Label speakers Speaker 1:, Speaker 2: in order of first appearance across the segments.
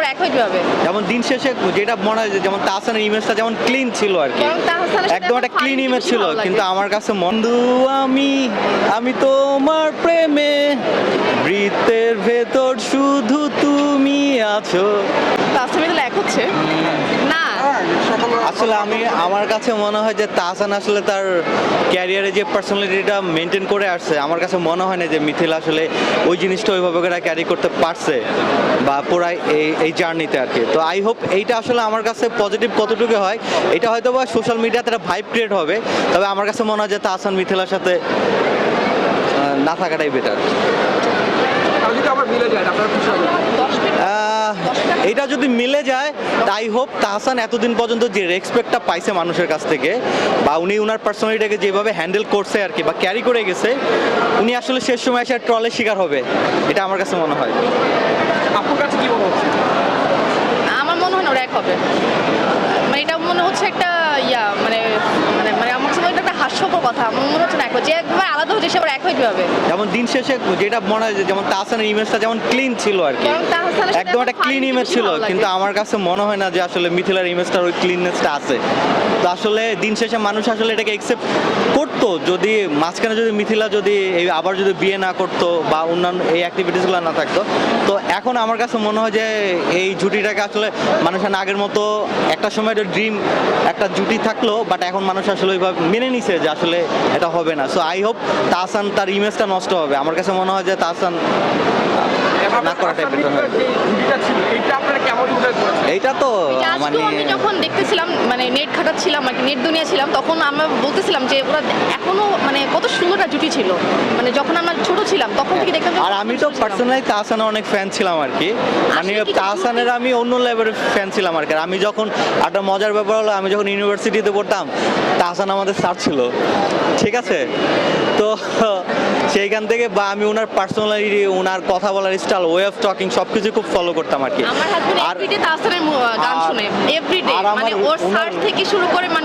Speaker 1: এক হয় কিভাবে?
Speaker 2: যেমন দিন শেষে যেটা মনে হয় যে যেমন তাহসানের ইমেজটা যেমন ক্লিন ছিল আর কি,
Speaker 1: বরং তাহসানের সাথে
Speaker 2: একদম একটা
Speaker 1: আমার
Speaker 2: ক্লিন
Speaker 1: ফারিনকে
Speaker 2: ইমেজ
Speaker 1: বেশি
Speaker 2: ছিল,
Speaker 1: ভালো লাগে।
Speaker 2: কিন্তু আমার কাছে বন্ধু আমি আমি তোমার প্রেমে, বৃত্তের ভেতর শুধু তুমি আছো।
Speaker 1: তাহসান মিতাল এক হচ্ছে না।
Speaker 2: আসলে আমার কাছে মনে হয় যে তাহসান আসলে তার ক্যারিয়ারে যে পার্সোনালিটিটা মেনটেন করে আসছে, আমার কাছে মনে হয় না যে মিথিলা আসলে ওই জিনিসটা ওইভাবে করে ক্যারি করতে পারছে বা পুরাই এই জার্নিতে আর কি। তো আই হোপ এইটা আসলে আমার কাছে পজিটিভ কতটুকু হয়, এটা হয়তো বা সোশ্যাল মিডিয়াতে একটা ভাইব ক্রিয়েট হবে, তবে আমার কাছে মনে হয় যে তাহসান মিথিলার সাথে না থাকাটাই বেটার। এটা যদি মিলে যায় তাই হোপ তাহসান এতদিন পর্যন্ত যে রেসপেক্টটা পাইছে মানুষের কাছ থেকে, বা উনি ওনার পার্সোনালিটিকে যেভাবে হ্যান্ডেল করছে আর কি বা ক্যারি করে গেছে, উনি আসলে শেষ সময় এসে ট্রলের শিকার হবে, এটা আমার কাছে মনে হয়।
Speaker 3: আপনার কাছে কি মনে হচ্ছে?
Speaker 1: আমার মনে হয় না ওরা এক হবে। মানে এটা মনে হচ্ছে একটা মানে মানে মানে আমার কাছে এটা একটা হাস্যকর কথা। আমার মনে হচ্ছে না এক হয়, যে একবার আলাদা হচ্ছে সে আবার এক হয় কিভাবে?
Speaker 2: যেমন দিন শেষে যেটা মনে হয় যে যেমন তাহসানের ইমেজটা যেমন ক্লিন ছিল আর কি,
Speaker 1: বরং তাহসানের সাথে
Speaker 2: একদম
Speaker 1: আমার
Speaker 2: একটা ক্লিন
Speaker 1: ফারিনকে
Speaker 2: ইমেজ
Speaker 1: বেশি
Speaker 2: ছিল,
Speaker 1: ভালো লাগে।
Speaker 2: কিন্তু আমার কাছে মনে হয় না যে আসলে মিথিলার ইমেজটার ওই ক্লিননেসটা আছে। তো আসলে দিন শেষে মানুষ আসলে এটাকে একসেপ্ট করতো যদি মাঝখানে যদি মিথিলা যদি আবার যদি বিয়ে না করতো বা অন্যান্য এই অ্যাক্টিভিটিসগুলো না থাকতো। তো এখন আমার কাছে মনে হয় যে এই জুটিটাকে আসলে মানুষের আগের মতো একটা সময় ড্রিম একটা জুটি থাকলো, বাট এখন মানুষ আসলে ওইভাবে মেনে নিছে যে আসলে এটা হবে না। সো আই হোপ তাহসান তার ইমেজটা নষ্ট হবে। আমার কাছে মনে হয় যে তাহসান না করাটাই বেটার হয়। এইটা তো
Speaker 1: এটা আজকেও
Speaker 2: মানে
Speaker 1: আমি যখন দেখতেছিলাম, মানে নেট ঘাটাচ্ছিলাম আর কি, নেট দুনিয়া ছিলাম, তখন আমরা বলতেছিলাম যে ওরা এখনো মানে কত সুন্দর একটা জুটি ছিল। মানে যখন আমরা ছোট ছিলাম তখন থেকে দেখতাম যে
Speaker 2: আর আমি তো
Speaker 1: সুন্দর ছিলাম।
Speaker 2: পার্সোনালি তাহসানের অনেক ফ্যান ছিলাম আর কি, মানে
Speaker 1: আসলে কি
Speaker 2: তাহসানের আমি অন্য লেভেলের ফ্যান ছিলাম আর কি। আর আমি যখন একটা মজার ব্যাপার হলো, আমি যখন ইউনিভার্সিটিতে পড়তাম তাহসান আমাদের স্যার ছিল, ঠিক আছে? তো সেইখান থেকে বা আমি ওনার পার্সোনালিটি, ওনার কথা বলার স্টাইল, ওয়ে অফ টকিং সবকিছু খুব ফলো করতাম আর কি।
Speaker 1: আমার হাজবেন্ড
Speaker 2: আর
Speaker 1: এভরিডে তাহসানের গান শুনে, এভরিডে,
Speaker 2: আর আমার
Speaker 1: মানে ওর সার্চ থেকে শুরু করে মানে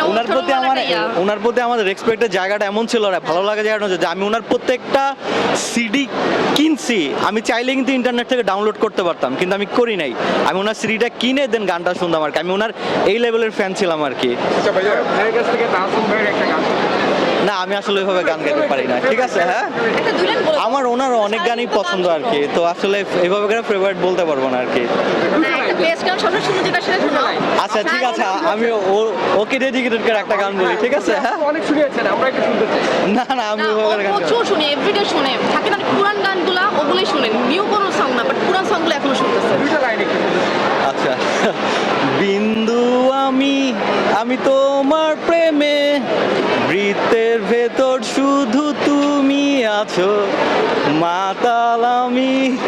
Speaker 2: ওনার প্রতি আমাদের রেসপেক্টের জায়গাটা এমন ছিল, ভালো লাগা জায়গাটা হচ্ছে যে আমি ওনার প্রত্যেকটা সিডি কিনছি, আমি চাইলে কিন্তু ইন্টারনেট থেকে ডাউনলোড করতে পারতাম, কিন্তু আমি করি নাই। আমি ওনার সিডিটা কিনে দেন গানটা শুনতাম আর কি। আমি ওনার এই লেভেলের ফ্যান ছিলাম আর কি।
Speaker 3: আচ্ছা ভাইয়া, ভাইয়ের কাছ থেকে তাহসান ভাইয়ের একটা গান
Speaker 2: না, আমি আসলে ওইভাবে গান গাইতে পারি না, ঠিক আছে? হ্যাঁ,
Speaker 1: একটা দুই লাইন বলে দাও।
Speaker 2: আমার ওনার অনেক গানই পছন্দ আর কি, তো আসলে এইভাবে করে ফেভারিট বলতে পারবো না আর কি।
Speaker 1: না, একটা বেস্ট গান সবসময় শুনে যেটা সেটা শোনাও।
Speaker 2: আচ্ছা ঠিক আছে, আমি ওকে ডেডিকেটেড করে একটা গান বলি, ঠিক আছে? হ্যাঁ,
Speaker 3: অনেক শুনিয়েছেন, আমরা একটু শুনতে চাই।
Speaker 2: না না, আমি
Speaker 1: না, ও
Speaker 2: ওইভাবে গান গাই না।
Speaker 1: প্রচুর শুনে, এভরিডে শুনে। থাকে না পুরান গানগুলা, ওগুলোই শুনেন। নিউ কোনো সং না, বাট পুরান সংগুলো এখনো শুনতেছে।
Speaker 3: দুইটা লাইন একটু শুনতে চাই।
Speaker 2: আচ্ছা, বিন্দু আমি আমি তোমার প্রেমে, বৃত্তের ভেতর শুধু তুমি আছো, মাতাল আমি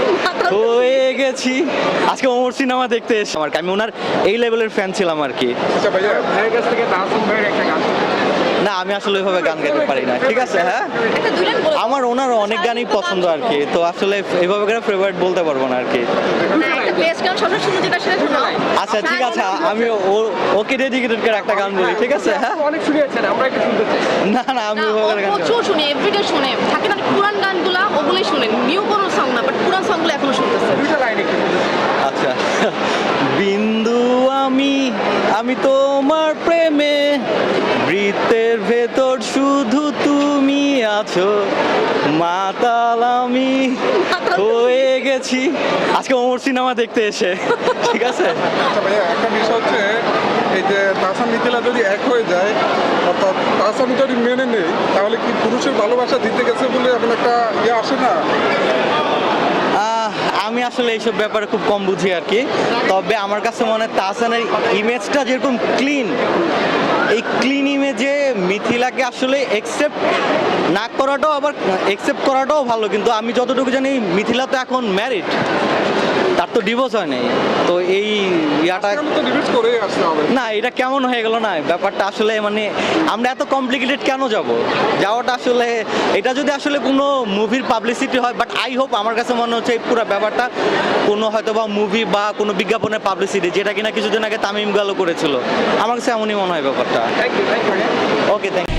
Speaker 2: হয়ে গেছি। আজকে ওমর সিনেমা দেখতে এসে আমার, আমি ওনার এই লেভেলের ফ্যান ছিলাম আর কি।
Speaker 3: আচ্ছা ভাইয়া, ভাইয়ের কাছ থেকে তাহসান ভাইয়ের একটা গান
Speaker 2: না, আমি আসলে ওইভাবে গান গাইতে পারি না, ঠিক আছে? হ্যাঁ,
Speaker 1: একটা দুই লাইন বলে দাও।
Speaker 2: আমার ওনার অনেক গানই পছন্দ আর কি, তো আসলে এইভাবে করে ফেভারিট বলতে পারবো না আর কি।
Speaker 1: না, একটা বেস্ট গান সবসময় শুনে যেটা সেটা শোনাও।
Speaker 2: আচ্ছা ঠিক আছে, আমি ওকে ডেডিকেটেড করে একটা গান বলি, ঠিক আছে? হ্যাঁ,
Speaker 3: অনেক শুনিয়েছেন, আমরা একটু শুনতে চাই।
Speaker 2: না না, আমি
Speaker 1: না, ও
Speaker 2: ওইভাবে গান গাই না।
Speaker 1: প্রচুর শুনে, এভরিডে শুনে। থাকে না পুরান গানগুলা, ওগুলোই শুনেন। নিউ কোনো সং না, বাট পুরান সংগুলো এখনো শুনতেছে।
Speaker 3: দুইটা লাইন একটু শুনতে চাই।
Speaker 2: আচ্ছা, বিন্দু আমি আমি তোমার প্রেমে, বৃত্তের ভেতর শুধু তুমি আছো, মাতাল আমি হয়ে গেছি। আজকে ওমর সিনেমা দেখতে এসে, ঠিক আছে?
Speaker 4: আচ্ছা ভাইয়া, একটা বিষয় হচ্ছে এই যে তাহসান মিথিলা যদি এক হয়ে যায়, অর্থাৎ তাহসান যদি মেনে নেই, তাহলে কি পুরুষের ভালোবাসা দিতে গেছে বলে এখন একটা আসে না?
Speaker 2: আমি আসলে এইসব ব্যাপারে খুব কম বুঝি আর কি, তবে আমার কাছে মনে হয় তাহসানের ইমেজটা যেরকম ক্লিন, এই ক্লিন ইমেজে মিথিলাকে আসলে একসেপ্ট না করাটাও আবার একসেপ্ট করাটাও ভালো, কিন্তু আমি যতটুকু জানি মিথিলা তো এখন ম্যারিড, তার তো ডিভোর্স হয় নাই। তো এই ইয়াটা
Speaker 4: এখন তো ডিবেট করেই আসতে হবে।
Speaker 2: না, এটা কেমন হয়ে গেল না ব্যাপারটা? আসলে মানে আমরা এত কমপ্লিকেটেড কেন যাওয়াটা আসলে, এটা যদি আসলে কোনো মুভির পাবলিসিটি হয়, বাট আই হোপ, আমার কাছে মনে হচ্ছে এই পুরো ব্যাপারটা কোনো হয়তো বা মুভি বা কোনো বিজ্ঞাপনের পাবলিসিটি, যেটা কিনা কিছুদিন আগে তামিম ইকবালও করেছিল। আমার কাছে এমনই মনে হয় ব্যাপারটা।
Speaker 3: থ্যাংক ইউ ভাইয়া।
Speaker 2: Okay, thank you.